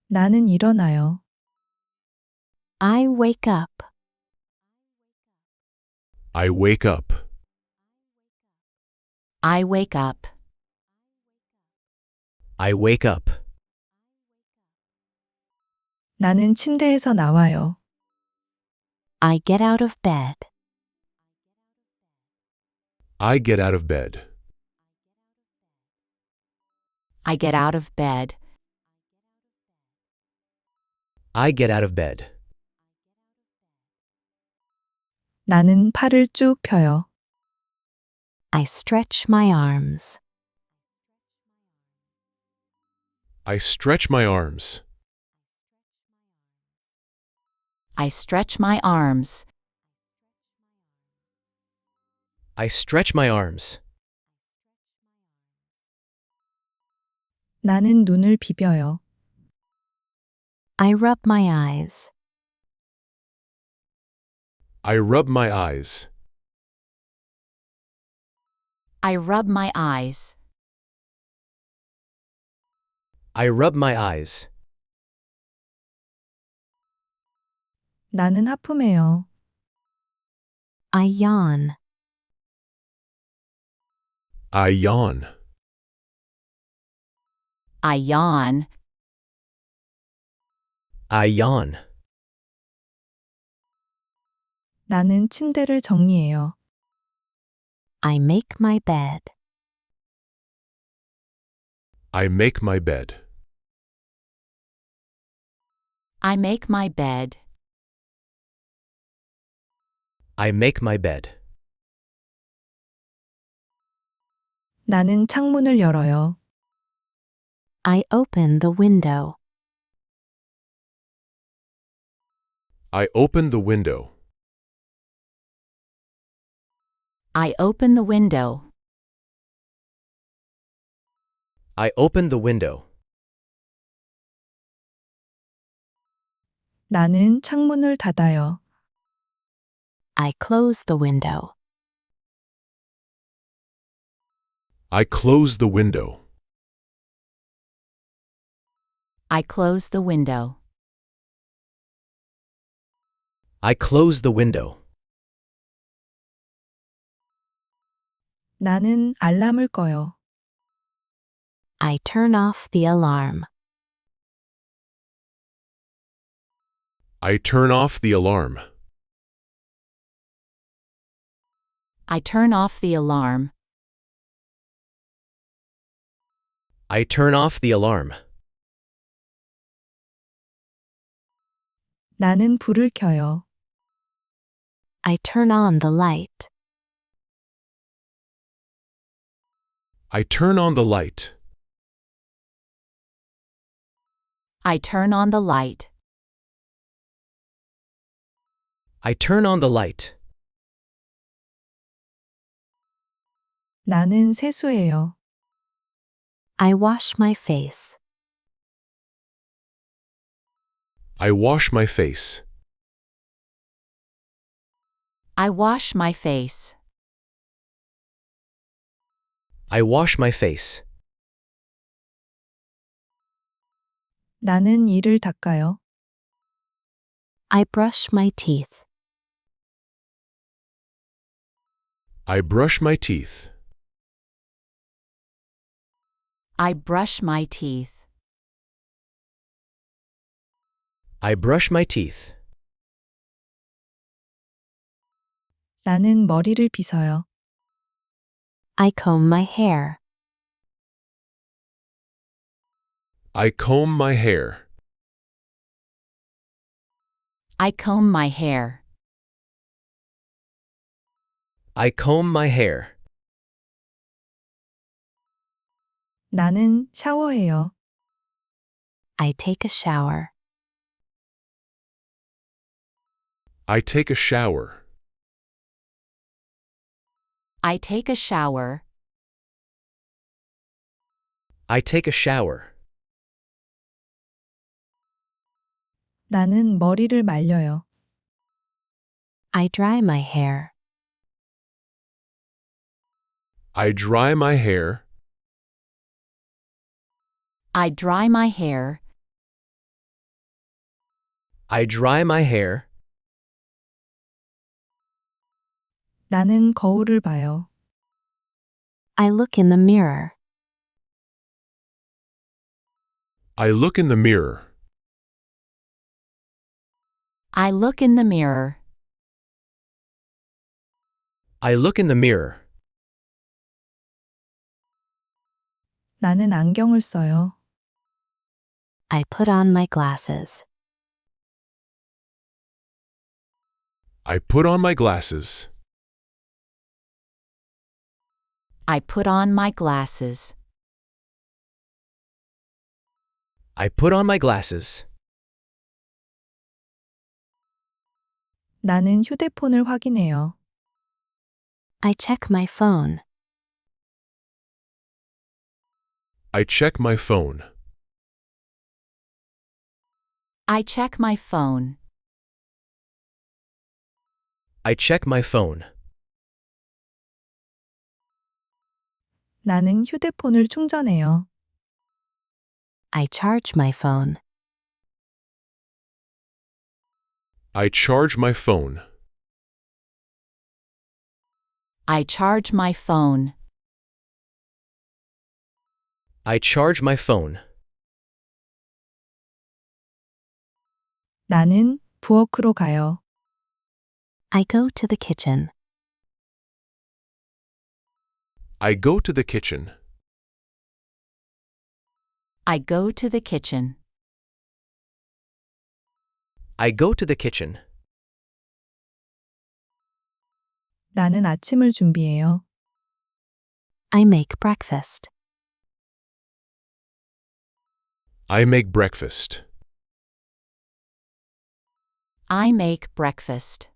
나는 일어나요. I wake up. I wake up. I wake up. I wake up. 나는 침대에서 나와요. I get out of bed. I get out of bed. I get out of bed. I get out of bed. 나는 팔을 쭉 펴요. I stretch my arms. I stretch my arms. I stretch my arms. I stretch my arms. 나는 눈을 비벼요. I rub my eyes. I rub my eyes. I rub my eyes. I rub my eyes. 나는 하품해요. I yawn. I yawn. I yawn. I yawn. 나는 침대를 정리해요. I make my bed. I make my bed. I make my bed. I make my bed. 나는 창문을 열어요. I open the window. I open the window. I open the window. I open the window. 나는 창문을 닫아요. I close the window. I close the window. I close the window. I close the window. 나는 알람을 꺼요. I turn off the alarm. I turn off the alarm. I turn off the alarm. I turn off the alarm. 나는 불을 켜요. I turn on the light. I turn on the light. I turn on the light. I turn on the light. 나는 세수해요. I wash my face. I wash my face. I wash my face. I wash my face. 나는 이를 닦아요. I brush my teeth. I brush my teeth. I brush my teeth. I brush my teeth. 나는 머리를 빗어요. I comb my hair. I comb my hair. I comb my hair. I comb my hair. 나는 샤워해요. I take a shower. I take a shower. I take a shower. I take a shower. 나는 머리를 말려요. I dry my hair. I dry my hair. I dry my hair. I dry my hair. 나는 거울을 봐요. I look in the mirror. I look in the mirror. I look in the mirror. I look in the mirror. 나는 안경을 써요. I put on my glasses. I put on my glasses. I put on my glasses. I put on my glasses. 나는 휴대폰을 확인해요. I check my phone. I check my phone. I check my phone. I check my phone. 나는 휴대폰을 충전해요. I charge my phone. I charge my phone. I charge my phone. I charge my phone. 나는 부엌으로 가요. I go to the kitchen. I go to the kitchen. I go to the kitchen. I go to the kitchen. 나는 아침을 준비해요. I make breakfast. I make breakfast. I make breakfast.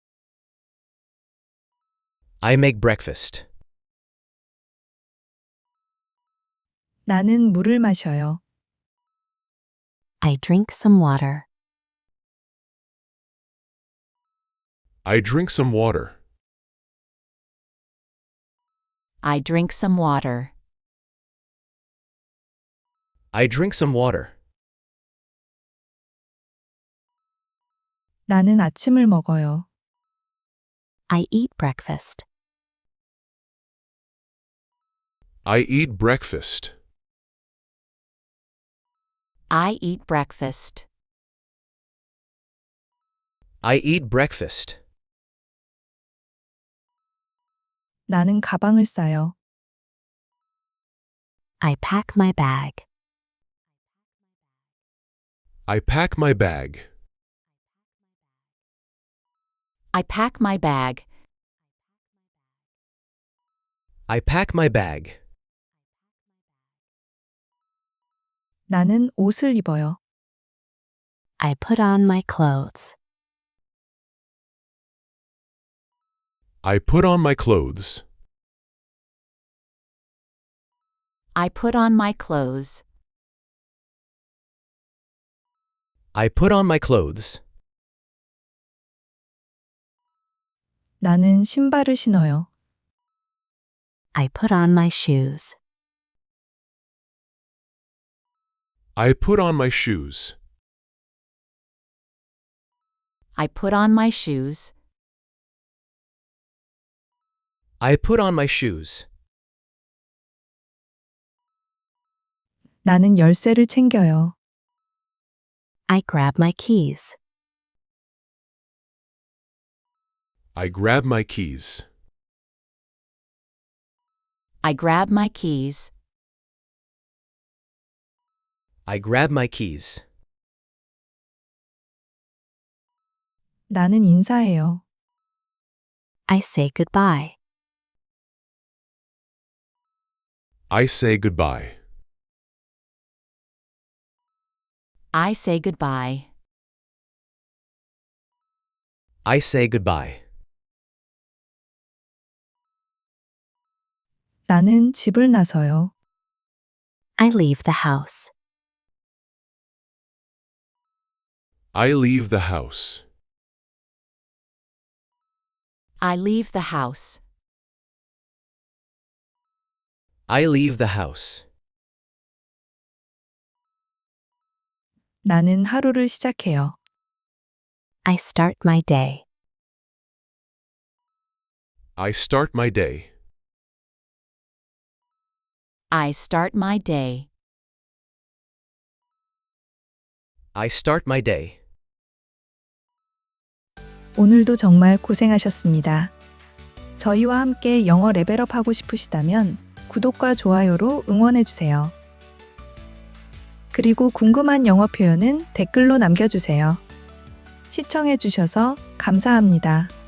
I make breakfast. 나는 물을 마셔요. I drink some water. I drink some water. I drink some water. I drink some water. 나는 아침을 먹어요. I eat breakfast. I eat breakfast. I eat breakfast. I eat breakfast. 나는 가방을 싸요. I pack my bag. I pack my bag. I pack my bag. I pack my bag. 나는 옷을 입어요. I put on my clothes. I put on my clothes. I put on my clothes. I put on my clothes. 나는 신발을 신어요. I put on my shoes. I put on my shoes. I put on my shoes. I put on my shoes. 나는 열쇠를 챙겨요. I grab my keys. I grab my keys. I grab my keys. I grab my keys. 나는 인사해요. I say goodbye. I say goodbye. I say goodbye. I say goodbye. 나는 집을 나서요. I leave the house. I leave the house. I leave the house. I leave the house. 나는 하루를 시작해요. I start my day. I start my day. I start my day. I start my day. 오늘도 정말 고생하셨습니다. 저희와 함께 영어 레벨업 하고 싶으시다면 구독과 좋아요로 응원해주세요. 그리고 궁금한 영어 표현은 댓글로 남겨주세요. 시청해주셔서 감사합니다.